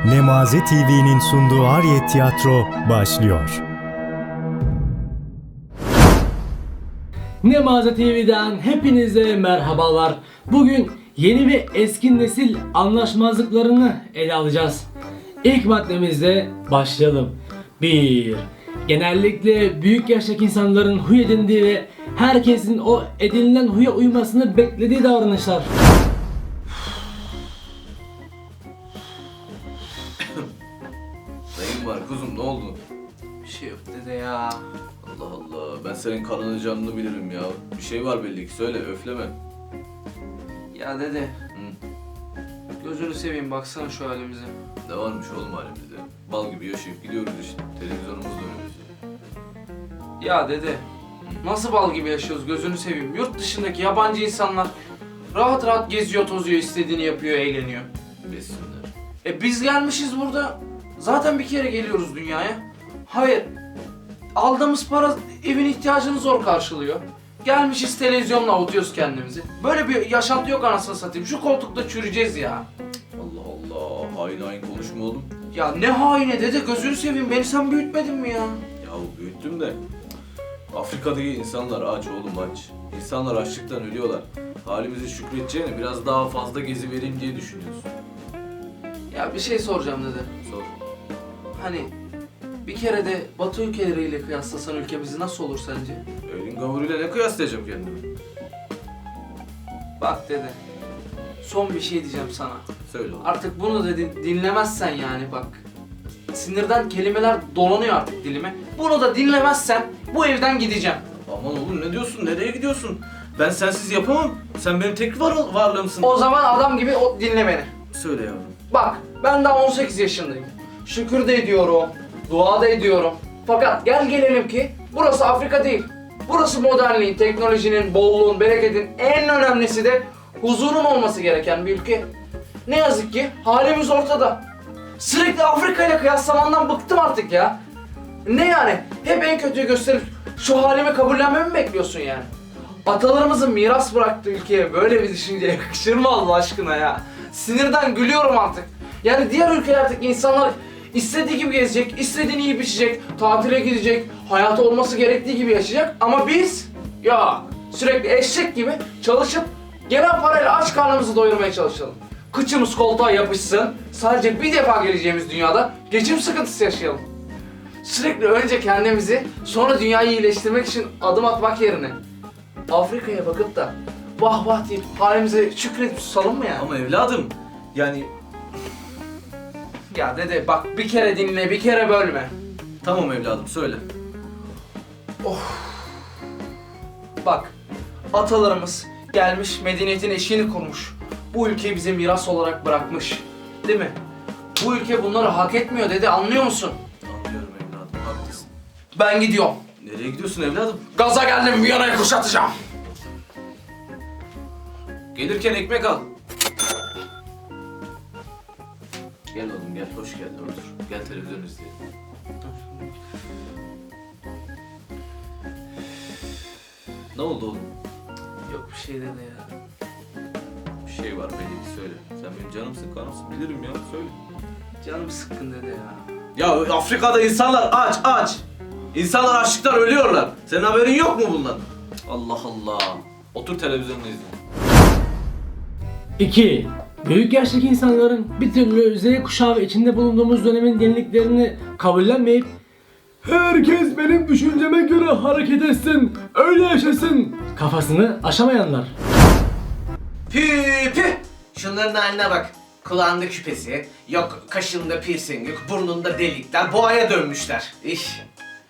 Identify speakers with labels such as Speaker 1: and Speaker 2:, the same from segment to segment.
Speaker 1: Nemaze TV'nin sunduğu Ariyet Tiyatro başlıyor.
Speaker 2: Nemaze TV'den hepinize merhabalar. Bugün yeni ve eski nesil anlaşmazlıklarını ele alacağız. İlk maddemizle başlayalım. 1. Genellikle büyük yaştaki insanların huy edindiği ve herkesin o edinilen huya uymasını beklediği davranışlar.
Speaker 3: Neyin var kuzum, ne oldu?
Speaker 4: Bir şey yok dede ya.
Speaker 3: Allah Allah, ben senin kanını canını bilirim ya. Bir şey var belli ki, söyle, öfleme.
Speaker 4: Ya dede,
Speaker 3: Hı,
Speaker 4: gözünü seveyim baksana şu halimize.
Speaker 3: ne varmış oğlum halimizde? Bal gibi yaşayıp gidiyoruz işte, televizyonumuz da önümüzde.
Speaker 4: Ya dede, nasıl bal gibi yaşıyoruz gözünü seveyim. Yurt dışındaki yabancı insanlar rahat rahat geziyor, tozuyor, istediğini yapıyor, eğleniyor.
Speaker 3: Besinler.
Speaker 4: Biz gelmişiz burada. Zaten bir kere geliyoruz dünyaya. Hayır, aldığımız para evin ihtiyacını zor karşılıyor. Gelmişiz televizyonla avutuyoruz kendimizi. Böyle bir yaşantı yok anasını satayım. Şu koltukta çürüyeceğiz ya.
Speaker 3: Allah Allah, hain hain konuşma oğlum.
Speaker 4: Ya ne haine dede, gözünü seveyim, beni sen büyütmedin mi ya?
Speaker 3: Yahu büyüttüm de. Afrika'daki insanlar aç oğlum, aç. İnsanlar açlıktan ölüyorlar. Halimize şükredeceğine biraz daha fazla gezi vereyim diye düşünüyorsun.
Speaker 4: Ya bir şey soracağım dede.
Speaker 3: Sor.
Speaker 4: Hani bir kere de Batı ülkeleriyle kıyaslasan ülkemizi nasıl olur sence?
Speaker 3: Elin gavuruyla ne kıyaslayacağım kendimi?
Speaker 4: Bak dede, son bir şey diyeceğim sana.
Speaker 3: Söyle oğlum.
Speaker 4: Artık bunu da dinlemezsen yani bak. Sinirden kelimeler dolanıyor artık dilime. Bunu da dinlemezsen bu evden gideceğim.
Speaker 3: Aman oğlum, ne diyorsun? Nereye gidiyorsun? Ben sensiz yapamam. Sen benim tek varlığımsın.
Speaker 4: O zaman adam gibi dinle beni.
Speaker 3: Söyle yavrum.
Speaker 4: Bak, ben daha 18 yaşındayım. Şükür de ediyorum, dua da ediyorum. Fakat gel gelelim ki burası Afrika değil. Burası modernliğin, teknolojinin, bolluğun, bereketin en önemlisi de huzurun olması gereken bir ülke. Ne yazık ki halimiz ortada. Sürekli Afrika ile kıyaslamandan bıktım artık ya. Ne yani? Hep en kötüyü gösterip şu halimi kabullenmemi mi bekliyorsun yani? Atalarımızın miras bıraktığı ülkeye böyle bir düşünce yakışır mı Allah aşkına ya? Sinirden gülüyorum artık. Yani diğer ülkelerdeki insanlar istediği gibi gezecek, istediğini yiyip içecek, tatile gidecek, hayatı olması gerektiği gibi yaşayacak. Ama biz ya sürekli eşek gibi çalışıp gelen parayla aç karnımızı doyurmaya çalışalım. Kıçımız koltuğa yapışsın, sadece bir defa geleceğimiz dünyada geçim sıkıntısı yaşayalım. Sürekli önce kendimizi, sonra dünyayı iyileştirmek için adım atmak yerine Afrika'ya bakıp da vah vah deyip halimize şükredip susalım mı ya?
Speaker 3: Ama evladım, yani
Speaker 4: Ya dede bak, bir kere dinle, bir kere bölme.
Speaker 3: tamam evladım, söyle.
Speaker 4: Bak, atalarımız gelmiş medeniyetin eşiğini kurmuş. Bu ülkeyi bize miras olarak bırakmış. Değil mi? Bu ülke bunları hak etmiyor dede, anlıyor musun?
Speaker 3: Anlıyorum evladım, haklısın.
Speaker 4: Ben gidiyorum.
Speaker 3: Nereye gidiyorsun evladım?
Speaker 4: Gaza geldim, Viyana'yı kuşatacağım.
Speaker 3: Gelirken ekmek al. Gel oğlum, gel, hoş geldin, otur. Gel televizyon izleyelim. Ne oldu oğlum?
Speaker 4: Yok bir şey dede ya.
Speaker 3: Bir şey var belli ki, söyle. Sen benim canımsın, kanımsın, bilirim ya, söyle.
Speaker 4: Canım sıkkın dede ya.
Speaker 3: Ya Afrika'da insanlar aç, aç. İnsanlar açlıktan ölüyorlar. Senin haberin yok mu bundan? Allah Allah. Otur televizyonunu izle.
Speaker 2: 2. Büyük yaştaki insanların bir türlü Z kuşağı ve içinde bulunduğumuz dönemin yeniliklerini kabullenmeyip herkes benim düşünceme göre hareket etsin, öyle yaşasın kafasını aşamayanlar.
Speaker 5: Pü pü! Şunların haline bak. Kulağında küpesi, yok kaşında piercing, yok burnunda delikler, boğaya dönmüşler. İş.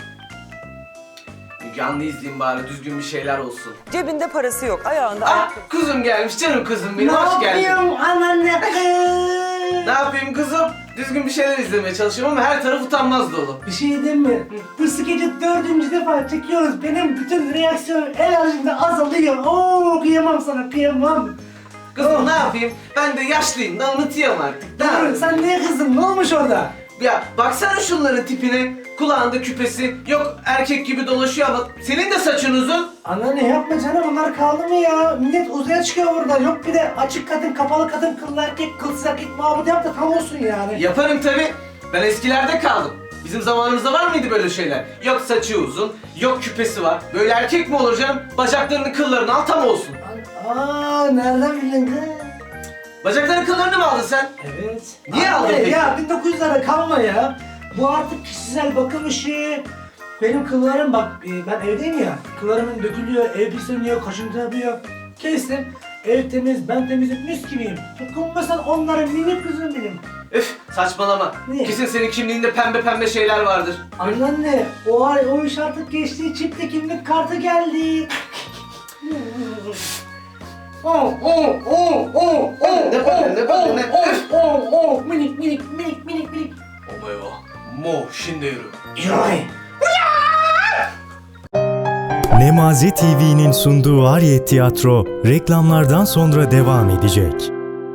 Speaker 5: Canlı izleyeyim bari, düzgün bir şeyler olsun.
Speaker 6: Cebinde parası yok, ayağında
Speaker 5: Ah,
Speaker 6: ayakkabı.
Speaker 5: kuzum gelmiş, canım kızım benim, hoş geldin.
Speaker 6: anneanne?
Speaker 5: Ne yapayım kızım? Düzgün bir şeyler izlemeye çalışıyorum ama her taraf utanmaz dolu.
Speaker 7: Bir şey diyeyim mi? Bu skeci 4. defa çekiyoruz. Benim bütün reaksiyon enerjim de azalıyor. Oo, kıyamam sana, kıyamam.
Speaker 5: Kızım ne yapayım? Ben de yaşlıyım da unutuyorum artık. Ne
Speaker 7: Dur,
Speaker 5: yapayım?
Speaker 7: sen niye kızdın? Ne olmuş orada?
Speaker 5: Ya baksana şunların tipine. Kulağında küpesi. Yok erkek gibi dolaşıyor ama senin de saçın uzun.
Speaker 7: Anneanne yapma canım, onlar kaldı mı ya? Millet uzaya çıkıyor burada. Yok bir de açık kadın, kapalı kadın, kıllı erkek, kılsız erkek muhabbeti yap da tam olsun yani.
Speaker 5: Yaparım tabi. Ben eskilerde kaldım. Bizim zamanımızda var mıydı böyle şeyler? Yok saçı uzun, yok küpesi var. Böyle erkek mi olur canım? Bacaklarını kıllarını al tam olsun.
Speaker 7: Aa, nereden bildin kız?
Speaker 5: Bacaklarının kıllarını mı aldın sen?
Speaker 7: Evet.
Speaker 5: Niye aldın
Speaker 7: Anne,
Speaker 5: peki?
Speaker 7: ya 1900'lara kalma ya. Bu artık kişisel bakım işi. Benim kıllarım bak, ben evdeyim ya. Kıllarımın dökülüyor, ev pisleniyor, kaşıntı yapıyor. Kestim. Ev temiz, ben temizim, mis gibiyim. Dokunmasan onların minik kızım benim.
Speaker 5: Üf saçmalama.
Speaker 7: Niye?
Speaker 5: Kesin senin kimliğinde pembe pembe şeyler vardır.
Speaker 7: Anneanne, o iş artık geçti. Çipte kimlik kartı geldi. Minik minik minik minik minik.
Speaker 5: Omayo. Mo şimdi yürü.
Speaker 7: Yoy.
Speaker 1: Nemaze TV'nin sunduğu Ariyet Tiyatro reklamlardan sonra devam edecek.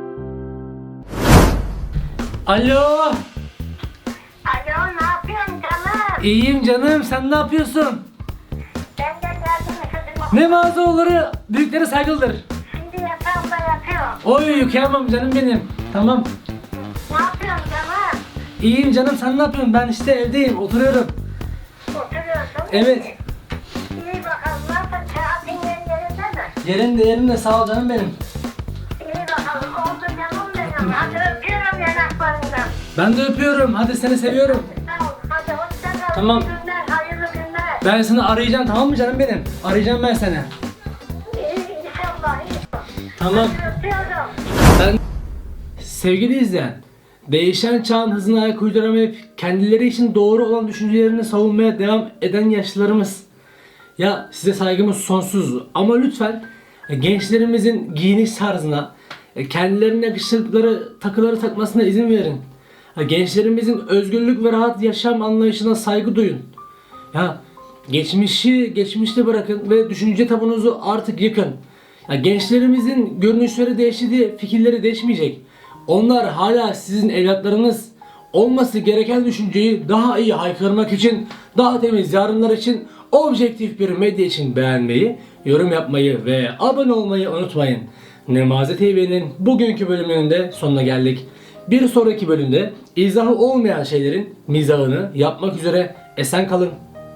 Speaker 2: Alo.
Speaker 8: Alo, ne yapıyorsun canım?
Speaker 2: İyiyim canım. Sen ne yapıyorsun?
Speaker 8: Ben de geldim kızım.
Speaker 2: Nemazoğulları büyüklere saygılıdır.
Speaker 8: Şimdi yatağımda yatıyorum.
Speaker 2: Oy kıyamam canım benim. Tamam.
Speaker 8: Ne yapıyorsun canım?
Speaker 2: İyiyim canım. Sen ne yapıyorsun? Ben işte evdeyim. Oturuyorum.
Speaker 8: Oturuyorsun.
Speaker 2: Evet.
Speaker 8: İyi bakalım, nasıl? Kağıtın yerinde mi?
Speaker 2: Yerinde sağ ol canım benim.
Speaker 8: İyi bakalım, oldu canım benim. Hadi öpüyorum yanaklarından.
Speaker 2: Ben de öpüyorum. Hadi seni seviyorum.
Speaker 8: Sağ ol, hadi hoşça kal.
Speaker 2: Tamam.
Speaker 8: İyi günler, hayırlı günler.
Speaker 2: Ben seni arayacağım, tamam mı canım benim? Arayacağım ben seni.
Speaker 8: İnşallah,
Speaker 2: Tamam.
Speaker 8: hadi öpüyorum.
Speaker 2: Sevgili izleyen, değişen çağın hızına ayak uyduramayıp kendileri için doğru olan düşüncelerini savunmaya devam eden yaşlılarımız. Ya size saygımız sonsuz ama lütfen gençlerimizin giyiniş tarzına, kendilerine yakıştırdıkları takıları takmasına izin verin. Gençlerimizin özgürlük ve rahat yaşam anlayışına saygı duyun. Ya geçmişi geçmişte bırakın ve düşünce tabunuzu artık yıkın. Ya gençlerimizin görünüşleri değişti diye fikirleri değişmeyecek. Onlar hala sizin evlatlarınız. Olması gereken düşünceyi daha iyi haykırmak için, daha temiz yarınlar için, objektif bir medya için beğenmeyi, yorum yapmayı ve abone olmayı unutmayın. Nemaze TV'nin bugünkü bölümünün de sonuna geldik. Bir sonraki bölümde izahı olmayan şeylerin mizahını yapmak üzere esen kalın.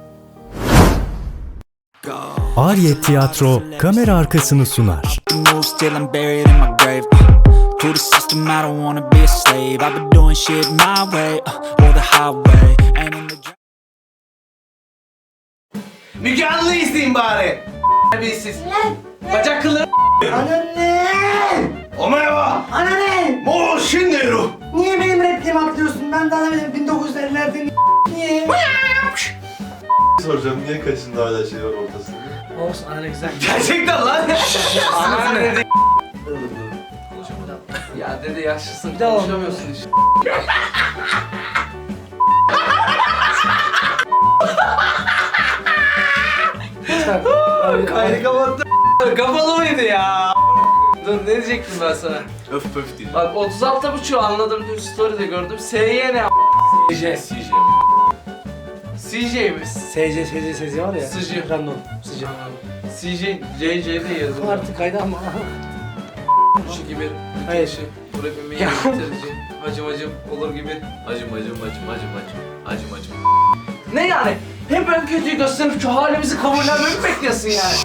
Speaker 1: Ariyet Tiyatro kamera arkasını sunar.
Speaker 9: Moves till I'm buried in my grave. To the system, I don't wanna be a slave. I've been doing shit my way, or the highway. And in the
Speaker 5: Müge Anlı izleyin bari. Terbiyesiz. Bacak kılları.
Speaker 7: Anneanne!
Speaker 5: Omayo.
Speaker 7: Anneanne!
Speaker 5: Mo şimdi yürü.
Speaker 7: Niye benim repliğimi atlıyorsun? Ben de anlamadım 1950'lerde niye?
Speaker 10: Soracağım, niye kaşında hala şey var ortasında?
Speaker 2: Olsun anne güzel.
Speaker 5: Gerçekten lan.
Speaker 4: Ana
Speaker 5: Anasını-
Speaker 4: dedi. Ya dede yaşlısın,
Speaker 2: daha
Speaker 4: konuşamıyorsun işte. Kaydı kapattım. Kapalı mıydı ya? Dur ne diyecektim ben sana?
Speaker 3: Öf pöf değil.
Speaker 4: Bak 36.5 anladım, dün story'de gördüm. SY ne
Speaker 2: CJ.
Speaker 4: CJ mi?
Speaker 2: SC var ya.
Speaker 4: Sıcı.
Speaker 2: Random. Sıcı.
Speaker 4: CJ, JJ de yazılıyor.
Speaker 2: Artık kaydı ama.
Speaker 4: Şu gibi.
Speaker 2: Hayır.
Speaker 4: Şey, bu rapimi
Speaker 2: Ya.
Speaker 4: bitirici. Hacım hacım olur gibi.
Speaker 3: Acım acım acım acım acım. Acım acım.
Speaker 4: Ne yani? Hep en kötüyü gösterip şu halimizi kabullenmemi mi bekliyorsun yani?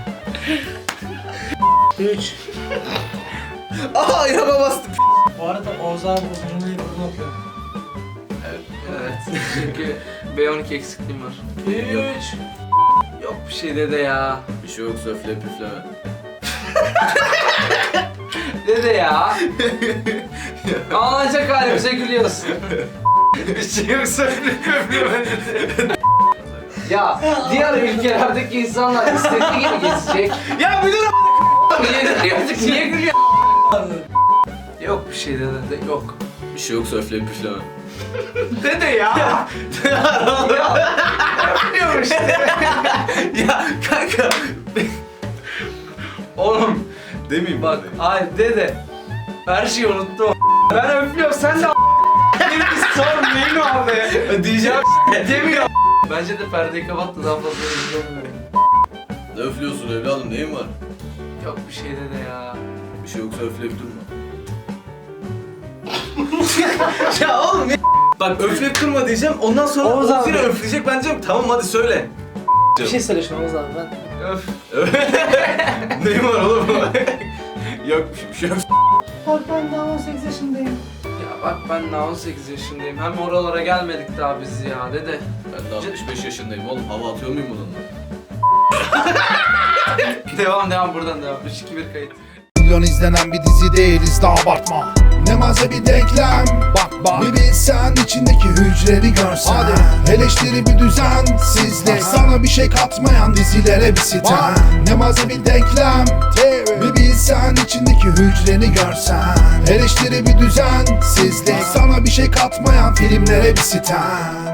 Speaker 2: 3.
Speaker 5: Aa yaba bastım.
Speaker 2: Bu arada Oğuz abi bu cümleyi bunu okuyor.
Speaker 4: Evet. Çünkü B12 eksikliğim var. 3. Yok bir şey dede ya.
Speaker 3: Bir şey yok söfle püfleme.
Speaker 4: Dede ya. Ağlanacak halimize gülüyorsun. bir şey yok söyle. Ya diğer ülkelerdeki insanlar istediği gibi gezecek.
Speaker 5: Ya bir dur.
Speaker 4: Niye gülüyor? Yok bir şey dede, yok.
Speaker 3: Bir şey yok söfle püfleme.
Speaker 5: Dede ya.
Speaker 4: Biliyorum işte.
Speaker 5: Ya kanka.
Speaker 4: Oğlum
Speaker 10: Demeyeyim
Speaker 4: bak, ay dede. Her şeyi unuttum. Ben öpüyorum, sen de beni bir sor neyini
Speaker 5: Diyeceğim demiyor.
Speaker 4: Bence de perdeyi kapat da daha fazla izlemeyelim.
Speaker 3: Ne öflüyorsun evladım, neyin var?
Speaker 4: Yok bir şey de ya.
Speaker 3: Bir şey yoksa öfleyip durma.
Speaker 5: Ya oğlum ya. Bak öfleyip durma diyeceğim. Ondan sonra
Speaker 2: Oğuz
Speaker 5: o
Speaker 2: abi.
Speaker 5: yine öfleyecek. Ben diyeceğim tamam hadi söyle.
Speaker 2: Bir şey söyle şuna Oğuz abi ben.
Speaker 4: Öf.
Speaker 5: Neyim var oğlum? Yok bir şey yok.
Speaker 7: Bak ben daha 18 yaşındayım.
Speaker 4: Ya bak ben daha 18 yaşındayım. Hem oralara gelmedik daha biz ya dede.
Speaker 3: Ben de 65 yaşındayım oğlum, hava atıyor muyum bununla?
Speaker 4: Devam buradan devam. 3-2-1 kayıt.
Speaker 11: Milyon izlenen bir dizi değiliz de abartma. Ne maze bir denklem. Bak bir bilsen içindeki hücreleri görsen. Hadi. Eleştiri bir düzensizlik. Sana bir şey katmayan dizilere bir sitem. Ne maze bir denklem. Bir bilsen içindeki hücreni görsen. Eleştiri bir düzensizlik. Sana bir şey katmayan filmlere bir sitem.